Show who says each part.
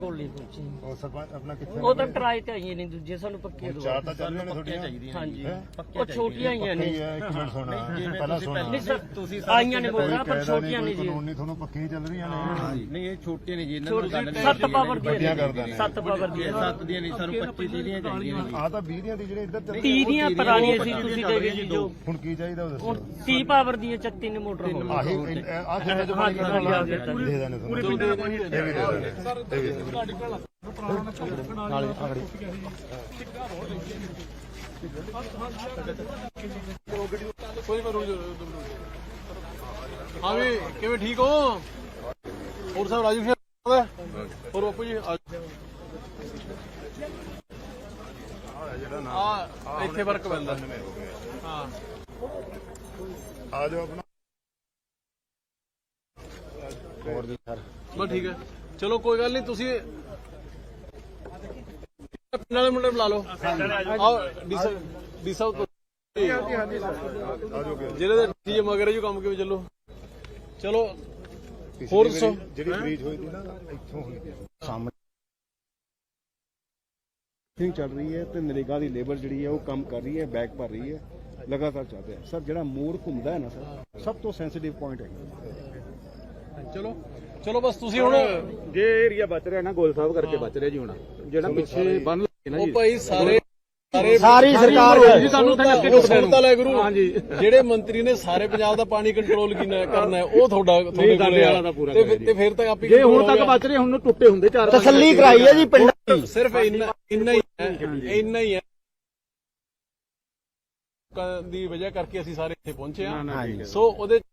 Speaker 1: ਕੋਲੀ ਪੁੱਛੀ
Speaker 2: ਉਹ ਸਰਪੰਚ ਆਪਣਾ ਕਿੱਥੇ
Speaker 1: ਉਹ ਤਾਂ ਟਰਾਈ ਤੇ ਆਈਆਂ ਨੇ ਦੂਜੇ ਸਾਨੂੰ ਪੱਕੇ ਦੋ
Speaker 2: ਚਾਰ ਤਾਂ ਚੱਲ ਰਹੀਆਂ ਨੇ ਤੁਹਾਡੀਆਂ
Speaker 1: ਹਾਂਜੀ ਉਹ ਛੋਟੀਆਂ ਆਈਆਂ ਨੇ
Speaker 2: ਇੱਕ ਮਿੰਟ ਸੁਣਾ ਪਹਿਲਾਂ ਸੁਣਾ
Speaker 1: ਨਹੀਂ ਸਰ ਤੁਸੀਂ ਆਈਆਂ ਨੇ ਬੋਲਣਾ ਪਰ ਛੋਟੀਆਂ ਨਹੀਂ ਜੀ
Speaker 2: ਕਾਨੂੰਨੀ ਤੁਹਾਨੂੰ ਪੱਕੀਆਂ ਚੱਲ ਰਹੀਆਂ ਨੇ
Speaker 3: ਨਹੀਂ ਇਹ ਛੋਟੀਆਂ ਨੇ ਜੀ ਇਹਨਾਂ ਨੂੰ ਗੱਲ ਨਹੀਂ
Speaker 1: 7 ਪਾਵਰ ਦੀਆਂ
Speaker 2: ਕਰਦਾ ਨੇ
Speaker 1: 7 ਪਾਵਰ ਦੀਆਂ
Speaker 3: 7 ਦੀਆਂ ਨਹੀਂ ਸਾਨੂੰ 25 ਦੀਆਂ ਚਾਹੀਦੀਆਂ ਨੇ
Speaker 2: ਆ ਤਾਂ 20 ਦੀਆਂ ਦੀ ਜਿਹੜੇ ਇੱਧਰ ਚੱਲ
Speaker 1: 30 ਦੀਆਂ ਪੁਰਾਣੀਆਂ ਸੀ ਤੁਸੀਂ ਦੇ ਗਏ ਜੀ ਜੋ
Speaker 2: ਹੁਣ ਕੀ ਚਾਹੀਦਾ ਉਹ ਦੱਸੋ
Speaker 1: 30 ਪਾਵਰ ਦੀਆਂ 36 ਨੇ ਮੋਟਰ ਹੋ
Speaker 2: ਆਹੀ ਆ ਖੇਤ ਚ ਪਾਣੀ ਕੱਢਣਾ ਦੇ ਦੇਣੇ ਤੁਹਾਨੂੰ ਇਹ ਵੀ ਦੇ ਦੇਣੇ ਇਹ ਵੀ ਦੇ ਦੇਣੇ ਨਾਲੇ ਆਗੜੀ
Speaker 4: ਹਾਂ ਵੀ ਕਿਵੇਂ ਠੀਕ ਹੋ ਹੋਰ ਸਾਹਿਬ ਰਾਜੂ ਸ਼ੇਰ ਹੋਰ ਬਾਪੂ ਜੀ ਆ ਇੱਥੇ ਵਰਕ ਪੈਂਦਾ ਹਾਂ
Speaker 2: ਆ ਜਾਓ ਆਪਣਾ ਹੋਰ ਜੀ ਸਰ
Speaker 4: ਬਸ ਠੀਕ ਹੈ ਚਲੋ ਕੋਈ ਗੱਲ ਨਹੀਂ ਤੁਸੀਂ ਪਿੰਡ ਵਾਲੇ ਮੁੰਡੇ ਬੁਲਾ ਲਓ ਆਓ ਡੀ ਸਾਹਿਬ ਜਿਹੜੇ ਦੇ ਟੀਮ ਮਗਰ ਜੋ ਕੰਮ ਕਿਵੇਂ ਚੱਲੋ ਚਲੋ ਹੋਰ ਦੱਸੋ
Speaker 2: ਜਿਹੜੀ ਬ੍ਰੀਜ ਹੋਈ ਸੀ ਨਾ ਇੱਥੋਂ ਹੋਈ ਸਾਹਮਣੇ
Speaker 5: ਚੱਲ ਰਹੀ ਹੈ ਤੇ ਨਰੇਗਾ ਦੀ ਲੇਬਰ ਜਿਹੜੀ ਹੈ ਉਹ ਕੰਮ ਕਰ ਰਹੀ ਹੈ ਬੈਕ ਭਰ ਰਹੀ ਹੈ ਲਗਾਤਾਰ ਚੱਲ ਰਿਹਾ ਸਰ ਜਿਹੜਾ ਮੋੜ ਘੁੰਮਦਾ ਹੈ ਨਾ ਸਰ ਸਭ ਤੋਂ ਸੈਂਸਿਟਿਵ ਪੁਆਇੰਟ ਹੈ
Speaker 4: ਚਲੋ ਬਸ ਤੁਸੀਂ ਹੁਣ
Speaker 5: ਜੇ ਏਰੀਆ ਬਚ ਰਿਹਾ ਨਾ ਗੋਲ ਸਾਹਿਬ ਕਰਕੇ ਬਚ ਰਿਹਾ ਜੀ ਹੁਣ ਜਿਹੜਾ ਪਿੱਛੇ ਬੰਨ ਲੱਗੇ ਨਾ
Speaker 4: ਉਹ
Speaker 5: ਜੀ
Speaker 4: ਭਾਈ
Speaker 5: ਸਾਰੀ ਸਰਕਾਰ
Speaker 4: ਜੀ ਸਾਨੂੰ ਸੁਣਤਾ ਲੈ ਗੁਰੂ ਹਾਂਜੀ ਜਿਹੜੇ ਮੰਤਰੀ ਨੇ ਸਾਰੇ ਪੰਜਾਬ ਦਾ ਪਾਣੀ ਕੰਟਰੋਲ ਕਰਨਾ ਹੈ ਉਹ ਤੁਹਾਡੇ ਕੋਲੇ
Speaker 5: ਵਾਲਾ ਦਾ ਪੂਰਾ
Speaker 4: ਤੇ ਫਿਰ ਤੱਕ ਆਪੀ
Speaker 5: ਜੇ ਹੁਣ ਤੱਕ ਬਚ ਰਹੇ ਹੁਣ ਨੂੰ ਟੁੱਟੇ ਹੁੰਦੇ ਚਾਰ ਤਸੱਲੀ ਕਰਾਈ ਹੈ ਜੀ ਪਿੰਡ
Speaker 4: ਸਿਰਫ ਇੰਨਾ ਹੀ ਹੈ ਦੀ ਵਜ੍ਹਾ ਕਰਕੇ ਅਸੀਂ ਸਾਰੇ ਇੱਥੇ ਪਹੁੰਚੇ ਹਾਂ ਸੋ ਉਹਦੇ